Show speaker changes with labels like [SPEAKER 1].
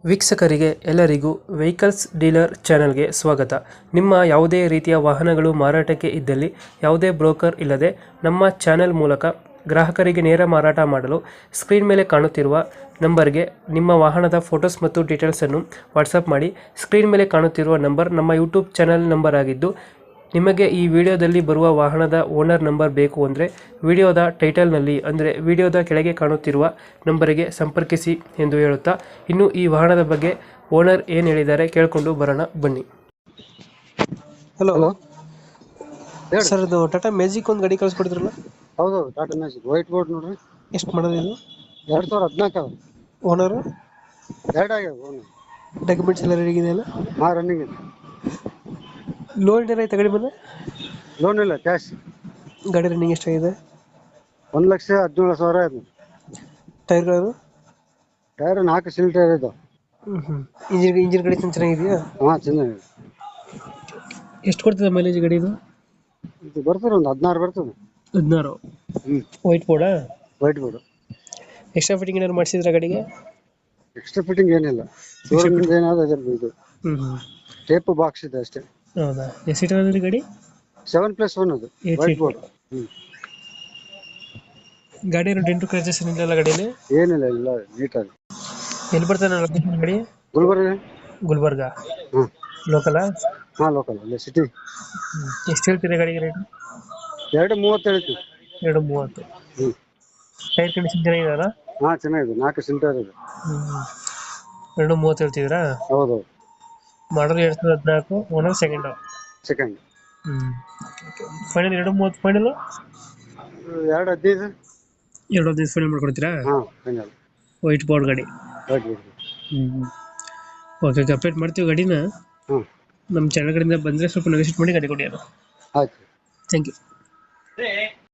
[SPEAKER 1] ವೀಕ್ಷಕರಿಗೆ ಎಲ್ಲರಿಗೂ vehicles dealer ಚಾನೆಲ್ಗೆ ಸ್ವಾಗತ. ನಿಮ್ಮ ಯಾವುದೇ ರೀತಿಯ ವಾಹನಗಳು ಮಾರಾಟಕ್ಕೆ ಇದ್ದಲ್ಲಿ ಯಾವುದೇ ಬ್ರೋಕರ್ ಇಲ್ಲದೆ ನಮ್ಮ ಚಾನೆಲ್ ಮೂಲಕ ಗ್ರಾಹಕರಿಗೆ ನೇರ ಮಾರಾಟ ಮಾಡಲು ಸ್ಕ್ರೀನ್ ಮೇಲೆ ಕಾಣುತ್ತಿರುವ ನಂಬರ್ಗೆ ನಿಮ್ಮ ವಾಹನದ ಫೋಟೋಸ್ ಮತ್ತು ಡೀಟೇಲ್ಸನ್ನು ವಾಟ್ಸಪ್ ಮಾಡಿ. ಸ್ಕ್ರೀನ್ ಮೇಲೆ ಕಾಣುತ್ತಿರುವ ನಂಬರ್ ನಮ್ಮ ಯೂಟ್ಯೂಬ್ ಚಾನೆಲ್ ನಂಬರ್ ಆಗಿದ್ದು, ನಿಮಗೆ ಈ ವಿಡಿಯೋದಲ್ಲಿ ಬರುವ ವಾಹನದ ಓನರ್ ನಂಬರ್ ಬೇಕು ಅಂದರೆ ವಿಡಿಯೋದ ಟೈಟಲ್ನಲ್ಲಿ ಅಂದರೆ ವಿಡಿಯೋದ ಕೆಳಗೆ ಕಾಣುತ್ತಿರುವ ನಂಬರಿಗೆ ಸಂಪರ್ಕಿಸಿ ಎಂದು ಹೇಳುತ್ತಾ, ಇನ್ನು ಈ ವಾಹನದ ಬಗ್ಗೆ ಓನರ್ ಏನು ಹೇಳಿದ್ದಾರೆ ಕೇಳಿಕೊಂಡು ಬರೋಣ ಬನ್ನಿ. ಹಲೋ
[SPEAKER 2] ಹಲೋ
[SPEAKER 1] ಸರ್, ಇದು ಟಾಟಾ ಮ್ಯಾಜಿಕ್ ಒಂದು ಗಾಡಿ ಕಳಿಸ್ಕೊಡಿದ್ರಲ್ಲ,
[SPEAKER 2] ಹೌದು ಟಾಟಾ ಮ್ಯಾಜಿಕ್ ವೈಟ್ ಬೋರ್ಡ್ ನೋಡ್ರಿ.
[SPEAKER 1] ಎಷ್ಟು ಮಾಡೋದು ಇದು?
[SPEAKER 2] 2014 ಅದ.
[SPEAKER 1] ಓನರು
[SPEAKER 2] ಎರಡು ಆಗ್ಯಾವ ಓನು.
[SPEAKER 1] ಡಾಕ್ಯುಮೆಂಟ್ಸ್ ಎಲ್ಲ ರೆಡಿ ಇದೆಯಲ್ಲ?
[SPEAKER 2] ಹಾ ರನ್ನಿಂಗ್ ಇದೆ.
[SPEAKER 1] ಲೋನ್ ಏನಾರ ಐತೆ ಗಾಡಿ ಮೇಲೆ?
[SPEAKER 2] ಲೋನ್ ಇಲ್ಲ, ಕ್ಯಾಶ್.
[SPEAKER 1] ಗಾಡಿ ರನ್ನಿಂಗ್ ಎಷ್ಟಾಗಿದೆ?
[SPEAKER 2] 1,17,000 ಆಯ್ತು.
[SPEAKER 1] ಟೈರ್ಗಳು?
[SPEAKER 2] ಟೈರ್ 4 ಸಿಲ್ ಟೈರ್ ಇದಾವ.
[SPEAKER 1] ಇಂಜಿನ್ ಗಾಡಿ ಚೆನ್ನಾಗಿದೆಯಾ?
[SPEAKER 2] ಹಾ ಚೆನ್ನಾಗಿದೆ.
[SPEAKER 1] ಎಷ್ಟು ಕೊಡ್ತದೆ ಮೈಲೇಜ್ ಗಾಡಿ ಇದು?
[SPEAKER 2] ಇದು ಬರ್ತದೆ ಒಂದು 16 ಬರ್ತದೆ.
[SPEAKER 1] 16.
[SPEAKER 2] ಹ್ಮ್
[SPEAKER 1] ವೈಟ್ ಬೋರ್ಡಾ?
[SPEAKER 2] White board.
[SPEAKER 1] ಎಕ್ಸ್ಟ್ರಾ ಫಿಟ್ಟಿಂಗ್ ಏನಾದ್ರು ಮಾಡಿಸಿದ್ರ ಗಾಡಿಗೆ?
[SPEAKER 2] ಎಕ್ಸ್ಟ್ರಾ ಫಿಟ್ಟಿಂಗ್ ಏನಿಲ್ಲ, ಶೋರೂಮ್ ಏನಾದ್ರು ಅದ್ರ ಇದು ಟೇಪ್ ಬಾಕ್ಸ್ ಇದೆ ಅಷ್ಟೇ.
[SPEAKER 1] ಹೌದಾ? ಎಷ್ಟು ಸೀಟರ್ ಅದ್ರಿ ಗಾಡಿ?
[SPEAKER 2] 7+1 ಅದು
[SPEAKER 1] 8
[SPEAKER 2] ವೈಟ್
[SPEAKER 1] seat.
[SPEAKER 2] ಬೋರ್ಡ್. ಹ್ಮ್
[SPEAKER 1] ಗಾಡಿ ಏನು ಡೆಂಟು ಕ್ರಾಚಸ್ ಏನಿಲ್ಲ ಗಾಡಿಯಲ್ಲಿ?
[SPEAKER 2] ಏನಿಲ್ಲ, ಇಲ್ಲ ನೀಟಾಗಿ.
[SPEAKER 1] ಎಲ್ಲಿ ಬರ್ತಾನೆ ಲೊಕೇಶನ್ ಗಾಡಿ?
[SPEAKER 2] ಗುಲ್ಬರ್ಗ.
[SPEAKER 1] ಗುಲ್ಬರ್ಗ
[SPEAKER 2] ಹ್ಮ್
[SPEAKER 1] ಲೋಕಲಾ?
[SPEAKER 2] ಹಾ ಲೋಕಲ್, ಅಲ್ಲೇ ಸಿಟಿ.
[SPEAKER 1] ಎಷ್ಟು ಹೇಳ್ತೀರಿ ಗಾಡಿಗೆ ರೇಟ್?
[SPEAKER 2] 2.30 ಹೇಳ್ತೀವಿ.
[SPEAKER 1] 2.30.
[SPEAKER 2] ಹ್ಮ್
[SPEAKER 1] ಟೈರ್ ಕಂಡೀಷನ್ ಚೆನ್ನಾಗಿದೆಯಲ್ಲ?
[SPEAKER 2] ಹಾ ಚೆನ್ನಾಗಿದೆ, 4 ಸಿಲ್ ಟೈರ್ ಇದೆ.
[SPEAKER 1] 2.30 ಹೇಳ್ತಿದ್ದೀರಾ?
[SPEAKER 2] ಹೌದೌದು.
[SPEAKER 1] Model 2014, owner second. Final 2.30 final?
[SPEAKER 2] 2.15.
[SPEAKER 1] 2.15 final ಮಾಡ್ಕೊಡ್ತೀರಾ?
[SPEAKER 2] ಹಾ ಫೈನಲ್.
[SPEAKER 1] ವೈಟ್ ಬೋರ್ಡ್ ಗಾಡಿ.
[SPEAKER 2] Right right.
[SPEAKER 1] ಓಕೆ, ಅಪ್ಡೇಟ್ ಮಾಡ್ತೀವಿ ಗಾಡಿನ.
[SPEAKER 2] ಹ್ಮ್
[SPEAKER 1] ನಮ್ಮ ಚಾನಲ್ ಕಡೆಯಿಂದ ಬಂದರೆ ಸ್ವಲ್ಪ ನೆಗೋಶಿಯೇಟ್ ಮಾಡಿ ಗಾಡಿ ಕೊಡಿ. ಅದು
[SPEAKER 2] ಆಯ್ತು.
[SPEAKER 1] Thank you.